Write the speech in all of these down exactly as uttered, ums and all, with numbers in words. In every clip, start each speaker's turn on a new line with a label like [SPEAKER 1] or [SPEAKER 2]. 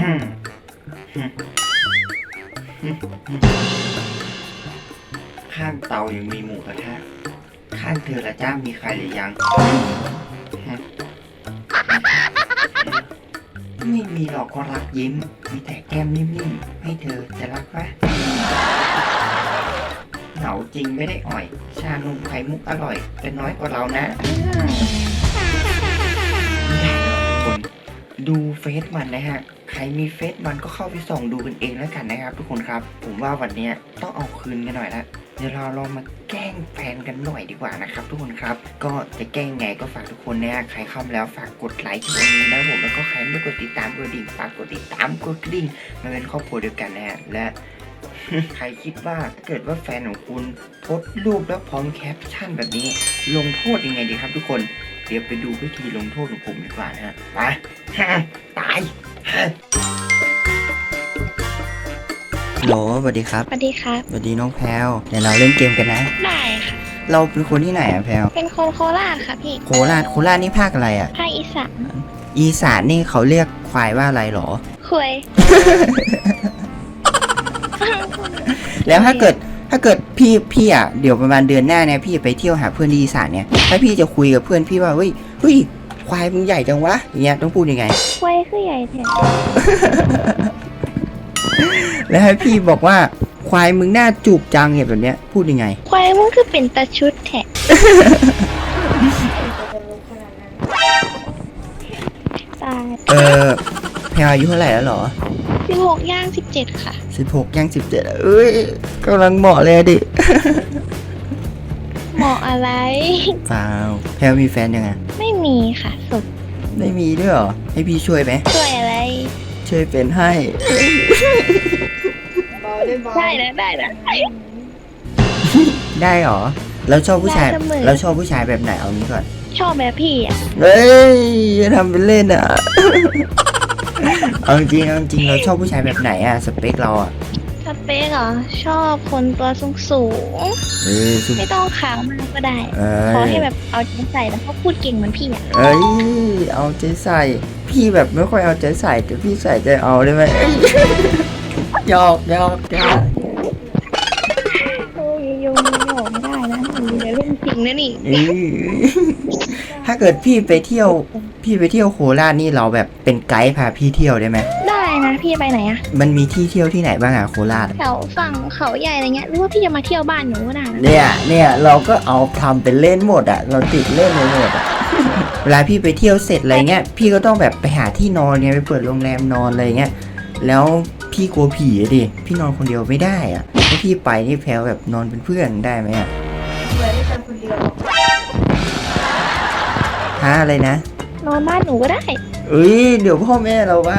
[SPEAKER 1] ข้างเตายังมีหมูกระทะข้างเธอละจ้ามีใครหรือยังไม่มีหรอกก็รักยิ้มมีแต่แก้มนิ่มๆให้เธอจะรักปะเหงาจริงไม่ได้อ่อยชานมไข่มุกอร่อยแต่น้อยกว่าเรานะไม่ได้หรอกทุกคนดูเฟซมันนะฮะใครมีเฟซมันก็เข้าไปส่องดูกันเองแล้วกันนะครับทุกคนครับผมว่าวันนี้ต้องเอาคืนกันหน่อยละเดี๋ยวเราลองมาแกล้งแฟนกันหน่อยดีกว่านะครับทุกคนครับก็จะแกล้งไงก็ฝากทุกคนนะใครเข้ามาแล้วฝากกดไลค์ที่วันนี้นะผมแล้วก็ใครไม่กดติดตามกดดิ่งฝากกดติดตามกดกระดิ่งมาเป็นครอบครัวเดียวกันนะฮะและ ใครคิดว่าถ้าเกิดว่าแฟนของคุณโพสต์รูปแล้วพร้อมแคปชั่นแบบนี้ลงโทษยังไงดีครับทุกคนเดี๋ยวไปดูวิธีลงโทษของผมดีกว่านะฮะไปตายโหลสวัสดีครับ
[SPEAKER 2] สวัสดีครับ
[SPEAKER 1] สวัสดีน้องแพลวเดี๋ยวเราเล่นเกมกันนะ
[SPEAKER 2] ได้ค่ะ
[SPEAKER 1] เราเป็นคนที่ไหนอะแพลว
[SPEAKER 2] เป็นคนโคราชค่ะพี่
[SPEAKER 1] โคราชโคราชนี่ภาคอะไรอะ
[SPEAKER 2] ภาคอีสาน
[SPEAKER 1] อีสานนี่เขาเรียกควายว่าอะไรหรอ
[SPEAKER 2] ควาย
[SPEAKER 1] แล้วถ้าเกิดถ้าเกิดพี่พี่อ่ะเดี๋ยวประมาณเดือนหน้าเนี่ยพี่ไปเที่ยวหาเพื่อนที่อีสานเนี่ยถ้าพี่จะคุยกับเพื่อนพี่ว่าเฮ้ยเฮ้ยควายมึงใหญ่จังวะอย่างเงี้ยต้องพูดยังไง
[SPEAKER 2] ควายคือใหญ่แท้
[SPEAKER 1] แล้วให้พี่บอกว่าควายมึงหน้าจูบจังเนี่ยแบบเนี้ยพูดยังไง
[SPEAKER 2] ควายมึงคือเป็นตาชุดแท้ตาย
[SPEAKER 1] เออแพรอายุเท่าไหร่แล้วหรอ
[SPEAKER 2] สิบหกย่างสิบเจ็ดค่ะ
[SPEAKER 1] สิบหกย่างสิบเจ็ดเอ้ยกำลังเหมาะเลยดิ
[SPEAKER 2] เหมาะอะไร
[SPEAKER 1] เปล่าแพรมีแฟนยังไง
[SPEAKER 2] ไม่มีค่ะสุด
[SPEAKER 1] ไม่มีด้วยหรอให้พี่ช่วยไหม
[SPEAKER 2] ช่วยอะไร
[SPEAKER 1] ช่วยเป็นให้
[SPEAKER 2] ได้นะได้นะ
[SPEAKER 1] ได้หรอแล้วชอบผู้ชายแล้วชอบผู้ชายแบบไหนเอางี้ก่อน
[SPEAKER 2] ชอบแบบพี่อ่ะ
[SPEAKER 1] เฮ้ยอย่าทำเป็นเล่นอ่ะเอาจริงเอาจริงเราชอบผู้ชายแบบไหนอ่ะสเปคเราอ่ะ
[SPEAKER 2] สเปคเหรอชอบคนตัวสูงสูงไม่ต้องขาวมากก็ได้ขอให้แบบเอาใจใส่แล้วก็พูดเก่งเหมือนพี่อ่ะ
[SPEAKER 1] เอ้ยเอาใจใส่พี่แบบไม่ค่อยเอาใจใส่แต่พี่ใส่ใจเอาได้ไหมหยอกหยอกหยอก
[SPEAKER 2] โอ้ยโยงหยอกไม่ได้นะเดี๋ยวเรื่องจริงนะนี่
[SPEAKER 1] ถ้าเกิดพี่ไปเที่ยวพี่ไปเที่ยวโคราชนี่เราแบบเป็นไกด์พาพี่เที่ยวได้ไหม
[SPEAKER 2] ได้นะพี่ไปไหนอะ
[SPEAKER 1] มันมีที่เที่ยวที่ไหนบ้างอะโคราช
[SPEAKER 2] แถวฝั่งเขาใหญ่อะไรเงี้ยหรือว่าพี่จะมาเที่ยวบ้านหนูก็ได้
[SPEAKER 1] เนี่ยเนี่ยเราก็เอาทำเป็นเล่นหมดอะเราติดเล่นเลยหมดอะเวลาพี่ไปเที่ยวเสร็จอะไรเงี้ยพี่ก็ต้องแบบไปหาที่นอนเนี่ยไปเปิดโรงแรมนอนอะไรเงี้ยแล้วพี่กลัวผีอะดิพี่นอนคนเดียวไม่ได้อะถ้าพี่ไปนี่แพลวแบบนอนเป็นเพื่อนได้ไหมอะ
[SPEAKER 2] ไม่ได้นอนคนเดียว
[SPEAKER 1] ฮะอะไรนะ
[SPEAKER 2] นอนบ้านหนูก็ได้
[SPEAKER 1] เอ้ยเดี๋ยวพ่อแม่เราว่า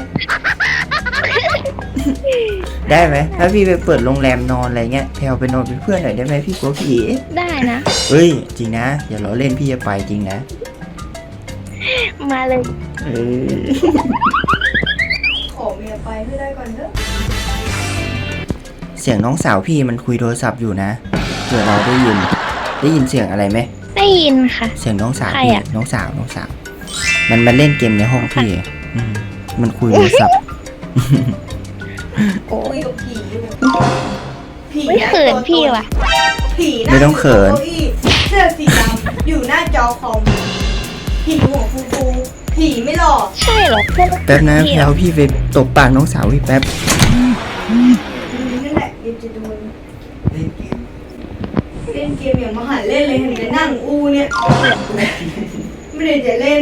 [SPEAKER 1] ได้ไหมถ้าพี่ไปเปิดโรงแรมนอนอะไรเงี้ยแพลวไปนอนเป็นเพื่อนหน่อยได้ไหมพี่กลัวผี
[SPEAKER 2] ได้นะ
[SPEAKER 1] เฮ้ยจริงนะอย่าล้อเล่นพี่จะไปจริงนะ
[SPEAKER 2] มาเลย
[SPEAKER 1] เออ
[SPEAKER 2] ขอเมียไปให้ได้ก่อนเถอะ
[SPEAKER 1] เสียงน้องสาวพี่มันคุยโทรศัพท์อยู่นะเผื่อเราได้ยินได้ยินเสียงอะไรไหม
[SPEAKER 2] ได้ยินค่ะ
[SPEAKER 1] เสียงน้องสาวพี่น้องสาวน้องสาวมันมาเล่นเกมในห้องพี่มันคุยโทรศัพท์
[SPEAKER 2] โอ้ยผีไม่เขินพี่ว่ะ
[SPEAKER 1] ผีไม่ต้องเขิน
[SPEAKER 3] เสื้อสีดำอยู่หน้าจอคอมผีหัวฟูฟูผีไม่หลอก
[SPEAKER 2] ใช่หรอ
[SPEAKER 1] แป๊บนะแล้วพี่ไปตบปากน้องสาวพี่แป๊บ
[SPEAKER 3] นั่นแหละเดี๋ยวจะโดนเล่นเกมเล่นเกมอย่างมหันเล่นเลยเห็นแต่นั่งอูเนี่ยไม่ได้จะเล่น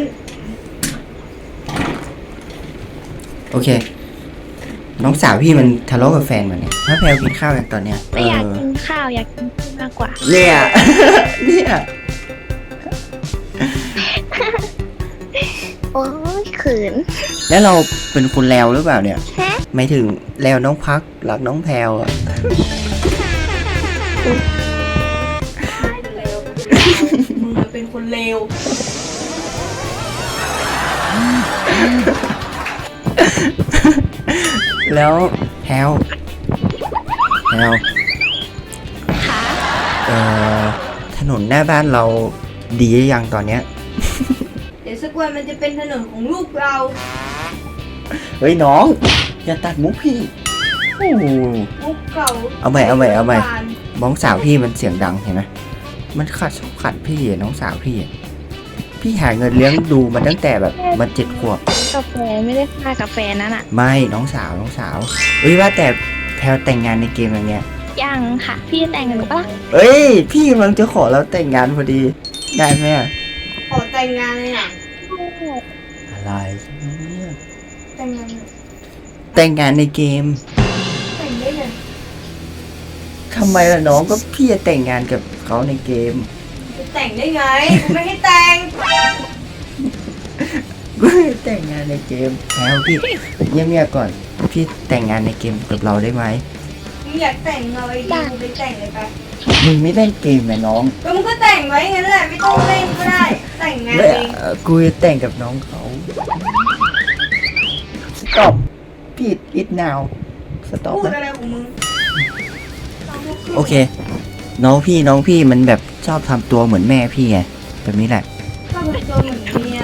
[SPEAKER 1] โอเคน้องสาวพี่มันทะเลาะกับแฟนมันเนี่ยถ้าแพลวกินข้าวอย่างตอนเนี้ย
[SPEAKER 2] ไม่อยากกินข้าวอยากกินมากกว่า
[SPEAKER 1] เนี่ยเนี่ย
[SPEAKER 2] โอ้ยเขิน
[SPEAKER 1] แล้วเราเป็นคนเลวหรือเปล่าเนี่ยไม่ถึงเลวน้องพักหลักน้องแพลวอ่ะ
[SPEAKER 3] มึงเป็นคนเลว
[SPEAKER 1] แล้วแพลวแพลว
[SPEAKER 2] ค่ะ
[SPEAKER 1] เอ่อถนนหน้าบ้านเราดีหรือยังตอนเนี้ย
[SPEAKER 3] เดี๋ยวสักวันมันจะเป็นถนนของลูกเรา
[SPEAKER 1] เฮ้ยน้องอย่าตัดมุกพี่โอ้โห
[SPEAKER 3] มุกเก่า
[SPEAKER 1] เอาใหม่เอาใหม่เอาใหม่ น้องสาวพี่มันเสียงดังเห็นไหมมันขัดชอบขัดพี่อะน้องสาวพี่อะพี่หาเงินเลี้ยงดูมันตั้งแต่แบบมันเจ็ดขวบ
[SPEAKER 2] กาแฟไม่ได้ค่ากาแฟนั่นอ่ะ
[SPEAKER 1] ไม่น้องสาวน้องสาวเอ้ยว่าแต่แพลวแต่งงานในเกมอย่างเงี้ย
[SPEAKER 2] ยังค่ะ พี่จะแต่งกับหนูปะล่ะ
[SPEAKER 1] เอ้ยพี่กำลังจะขอเราแต่งงานพอดีได้ไหมอะ
[SPEAKER 3] ขอแต่งงานเลยอ่ะ
[SPEAKER 1] อะไรเนี่ย
[SPEAKER 3] แต่งงาน
[SPEAKER 1] แต่งงานในเกม
[SPEAKER 3] แต่งได้เลย
[SPEAKER 1] ทำไมล่ะน้องก็พี่จะแต่งงานกับเขาในเกม
[SPEAKER 3] จะแต่งได้ไงกูไม่ให้แต่ง
[SPEAKER 1] ก็แต่งงานในเกมแล้วพี่เงียบๆก่อนพี่แต่งงานในเกมกับเราได้ไหม
[SPEAKER 3] มึงอยากแต่งเลยดีกูไปแต่งเลยไป
[SPEAKER 1] มึงไม่เล่นเกมนะน้อง
[SPEAKER 3] ก็มึงก็แต่งไว้งั้นแหละไม่ต้องเล่นก็ได้ แต่งงาน
[SPEAKER 1] ไม่
[SPEAKER 3] เอง
[SPEAKER 1] เอ่อกูจะแต่งกับน้องเขาสต็อปพี่อิดนาวสต็อป
[SPEAKER 3] พูด
[SPEAKER 1] นะ
[SPEAKER 3] อะไรของมึง
[SPEAKER 1] โอเค น้องพี่น้องพี่มันแบบชอบทำตัวเหมือนแม่พี่ไงแบบนี้แหละ
[SPEAKER 3] ชอบตัวเหมือนเมีย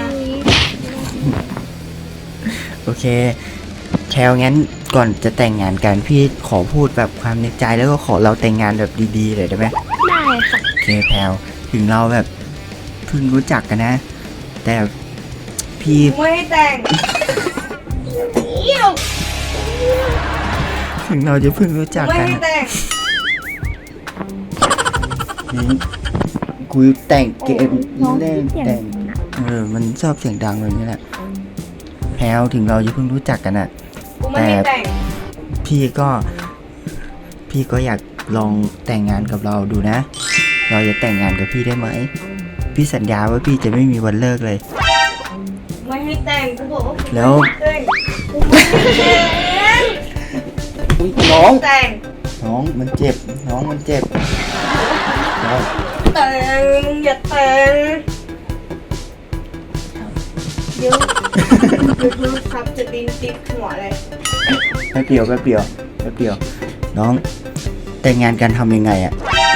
[SPEAKER 1] โอเคแพลวงั้นก่อนจะแต่งงานกันพี่ขอพูดแบบความในใจแล้วก็ขอเราแต่งงานแบบดีๆเลยได้ไหม
[SPEAKER 2] ได้ค่ะ
[SPEAKER 1] โอเคแพลวถึงเราแบบเพิ่งรู้จักกันนะ แต่พี่
[SPEAKER 3] กูไม่ให้แต่งเอี้ยว
[SPEAKER 1] ถึงเราจะเพิ่งรู้จัก
[SPEAKER 3] ไม่
[SPEAKER 1] กัน
[SPEAKER 3] ให้แต่ง
[SPEAKER 1] นี่กูแต่งเกม
[SPEAKER 2] น้อง
[SPEAKER 1] เล่น
[SPEAKER 2] เสียง
[SPEAKER 1] แต่ง
[SPEAKER 2] ดังอะ
[SPEAKER 1] เออมันชอบเสียงดังแบบนี้แหละแพลวถึงเราจะเพิ่งรู้จักกันอะ
[SPEAKER 3] กูไม่ให้แต่ง
[SPEAKER 1] พี่ก็ พี่ก็อยากลองแต่งงานกับเราดูนะ เราจะแต่งงานกับพี่ได้ไหมพี่สัญญาว่าพี่จะไม่มีวันเลิกเลย
[SPEAKER 3] ไม่ให้แต่งกูบอกว่ากู
[SPEAKER 1] แล้ว
[SPEAKER 3] ไม่ให้แต่งกูไม่ให้แต่ง
[SPEAKER 1] อุ๊ยน้อง
[SPEAKER 3] แต่ง
[SPEAKER 1] น้องมันเจ็บ น้องมันเจ็บน้อง
[SPEAKER 3] แต่งอย่าแต่งเดี๋ยวเดี๋ยวโทรศัพท์จะดินติดหัวเลย
[SPEAKER 1] แป๊บเดียวแป๊บเดียวแป๊บเดียว น้องแต่งงานกันทำยังไงอะ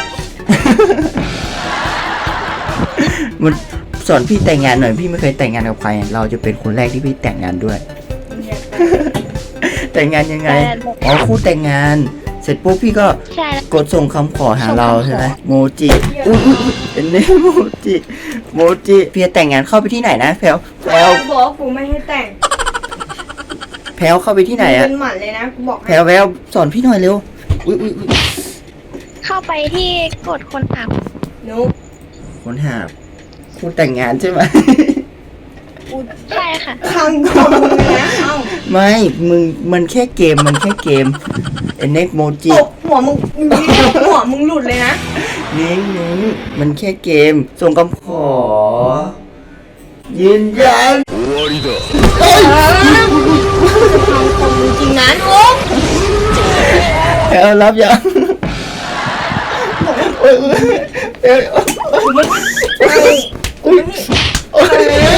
[SPEAKER 1] มันสอนพี่แต่งงานหน่อยพี่ไม่เคยแต่งงานกับใครอะเราจะเป็นคนแรกที่พี่แต่งงานด้วย
[SPEAKER 3] อย่าแต่ง
[SPEAKER 1] แต่งงานยังไงอ๋อคู่แต่งงาน เสร็จปุ๊บพี่ก็
[SPEAKER 2] ใช่แล้ว
[SPEAKER 1] กดส่งคำขอหาเราใช่ไหมโมจิอุ้ยอุ๊ยอุ๊ยเป็นเนโมจิโมจิพี่จะแต่งงานเข้าไปที่ไหนนะแพลวแพลว
[SPEAKER 3] กูบอกว่ากูไม่ให้แต่ง
[SPEAKER 1] แพลวเข้าไปที่ไหนอะ
[SPEAKER 3] เป็นหมันเลยนะกูบอก
[SPEAKER 1] แพลวแพลวสอนพี่หน่อยเร็วอุ้ยอุ้ยอุ๊ย
[SPEAKER 2] เข้าไปที่กดคนอับ
[SPEAKER 3] นุก
[SPEAKER 1] คนหาคู่แต่งงานใช่ไหม
[SPEAKER 3] กู
[SPEAKER 2] ใช่ค่ะ
[SPEAKER 3] พังคอมึงเลยนะเอ้า
[SPEAKER 1] ไม่มึงมันแค่เกมมันแค่เกมเอ็นเอ็กโมจิ
[SPEAKER 3] ตบหัวมึงหัวมึงหลุดเลยนะ
[SPEAKER 1] นิ้งนิ้งมันแค่เกม ส่งคำขอ ยืนยัน
[SPEAKER 3] พังคอมึงจริงนะนุก
[SPEAKER 1] แพลวรับยังโอ้ยโอ้ยเอ้ย
[SPEAKER 3] กูไม่
[SPEAKER 1] อุ้ยโอ้ย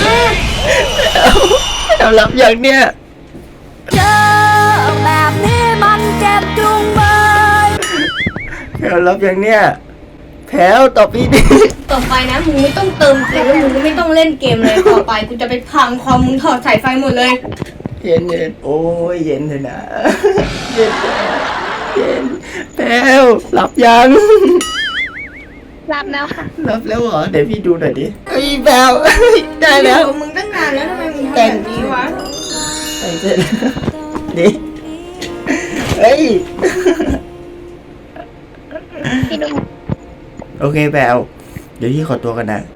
[SPEAKER 1] แพลวรับยังเนี่ย
[SPEAKER 4] เจอแบบนี้มันเจ็บจุงเบย
[SPEAKER 1] แพลวรับยังเนี่ยแพลวตอบพี่ดิ
[SPEAKER 3] ต่อไปนะมึงไม่ต้องเติมเกมแล้วมึงก็ไม่ต้องเล่นเกมเลยต่อไปกูจะไปพังคอมมึงถอดสายไฟหมดเลย
[SPEAKER 1] เย็นเย็นโอ้ยเย็นเลยนะเย็นเย็นแพลวรับยัง
[SPEAKER 2] รับแล้วค่ะ
[SPEAKER 1] รับแล้วเหรอเดี๋ยวพี่ดูหน่อยดิเฮ้ยแพลวได้แล้ว
[SPEAKER 3] อยู่กับมึงตั้งนานแล้วทำไมมึงทำแบบนี้วะ
[SPEAKER 1] แต่งเสร็จแล้วดิเฮ้ย
[SPEAKER 2] พี่ดู
[SPEAKER 1] โอเคแพลวเดี๋ยวพี่ขอตัวกันนะ